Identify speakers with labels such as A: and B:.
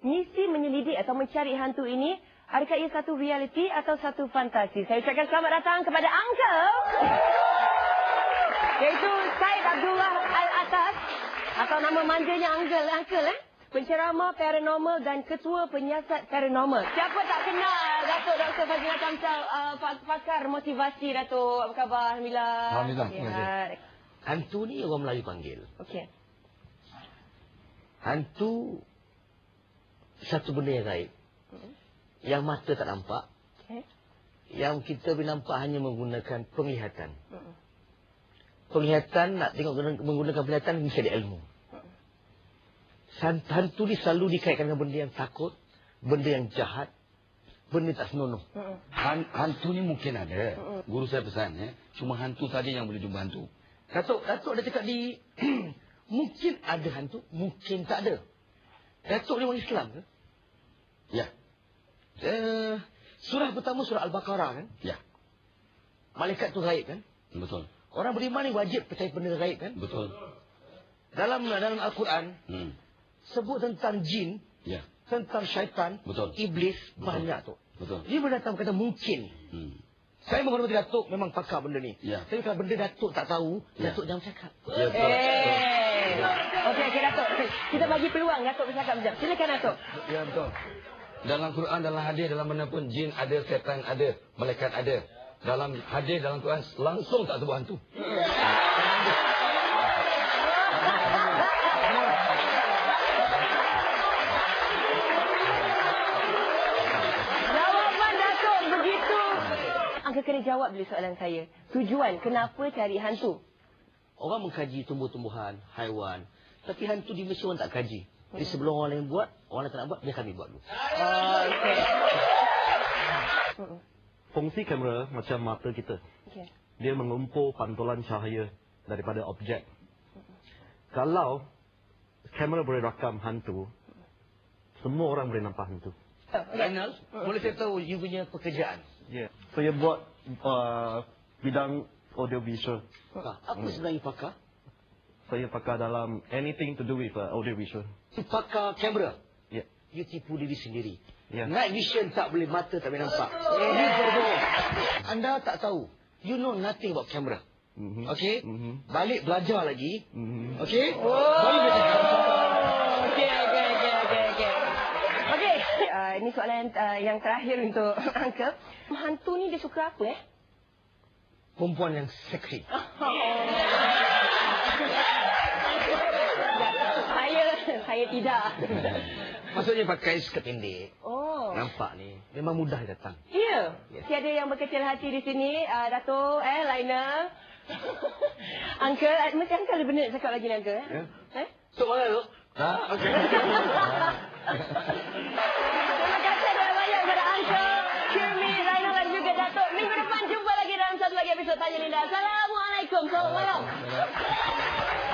A: misi menyelidik atau mencari hantu ini, adakah ia satu realiti atau satu fantasi? Saya ucapkan selamat datang kepada Uncle, iaitu Syed Abdullah Al-Atas, atau nama manjanya Uncle, penceramah paranormal dan ketua penyiasat paranormal. Siapa tak kenal Datuk Dr. Fazlina Kamsal, pakar motivasi, Datuk? Apa khabar? Alhamdulillah.
B: Alhamdulillah. Hantu ni orang Melayu panggil.
A: Okey.
B: Hantu satu benda yang gaib. Yang mata tak nampak. Okay. Yang kita boleh nampak hanya menggunakan penglihatan. Penglihatan, nak tengok menggunakan penglihatan, mesti ada ilmu. Hantu ni selalu dikaitkan dengan benda yang takut, benda yang jahat, benda tak senonoh.
C: Hantu ni mungkin ada. Guru saya pesan, cuma hantu saja yang boleh jumpa hantu.
B: Datuk ada cakap di mungkin ada hantu, mungkin tak ada. Datuk ni orang Islam ke?
C: Ya.
B: Surah pertama surah Al-Baqarah kan?
C: Ya.
B: Malaikat tu gaib kan?
C: Betul.
B: Orang beriman ni wajib percaya benda gaib kan?
C: Betul.
B: Dalam Al-Quran sebut tentang jin,
C: ya,
B: tentang syaitan,
C: betul,
B: iblis,
C: betul,
B: banyak tu.
C: Betul.
B: Dia berdatang kata mungkin. Saya menghormati Datuk, memang pakar benda ni.
C: Ya.
B: Tapi kalau benda Datuk tak tahu,
C: ya,
B: Datuk jangan cakap.
C: Ya, betul.
A: Okey, Datuk. Kita bagi peluang Datuk bercakap sekejap. Silakan Datuk.
C: Ya, betul. Dalam Quran, dalam hadis, dalam mana pun jin ada, setan ada, malaikat ada. Dalam hadis, dalam Quran langsung tak sebut hantu.
A: Jawapan Datuk begitu. Angka kena jawab dulu soalan saya. Tujuan kenapa cari hantu?
B: Orang mengkaji tumbuh-tumbuhan, haiwan. Tapi hantu di Malaysia orang tak kaji. Jadi sebelum orang lain buat, orang lain tak nak buat, biar kami buat dulu.
A: Okey.
D: Fungsi kamera macam mata kita.
A: Okay.
D: Dia mengumpul pantulan cahaya daripada objek. Kalau kamera boleh rakam hantu, semua orang boleh nampak hantu.
B: Zainal, boleh saya tahu you punya pekerjaan?
D: Ya. Saya buat bidang audio visual.
B: Apa sebenarnya pakar?
D: Saya pakar dalam anything to do with audio visual.
B: Pakar kamera?
D: Ya.
B: You tipu diri sendiri.
D: Ya.
B: Night vision tak boleh, mata tak boleh nampak. You berbohong. Anda tak tahu. You know nothing about camera. Okey? Balik belajar lagi. Okey? Baru boleh cakap.
A: Okey. Okey. Ini soalan yang terakhir untuk Uncle. Hantu ni dia suka apa
B: Perempuan yang seksi.
A: Saya tidak.
B: Maksudnya pakai skirt pendek.
A: Oh.
B: Nampak ni. Memang mudah datang.
A: Ya. Tiada yang berkecil hati di sini. Datuk, Laina. Uncle, mesti Uncle ada benda nak cakap lagi ni, Uncle.
B: Tok mana tu? Okey.
A: Terima kasih banyak kepada Uncle, Kirmi, Laina dan juga Datuk. Minggu depan jumpa lagi dalam satu lagi episod Tanya Linda. Assalamualaikum. Selamat malam.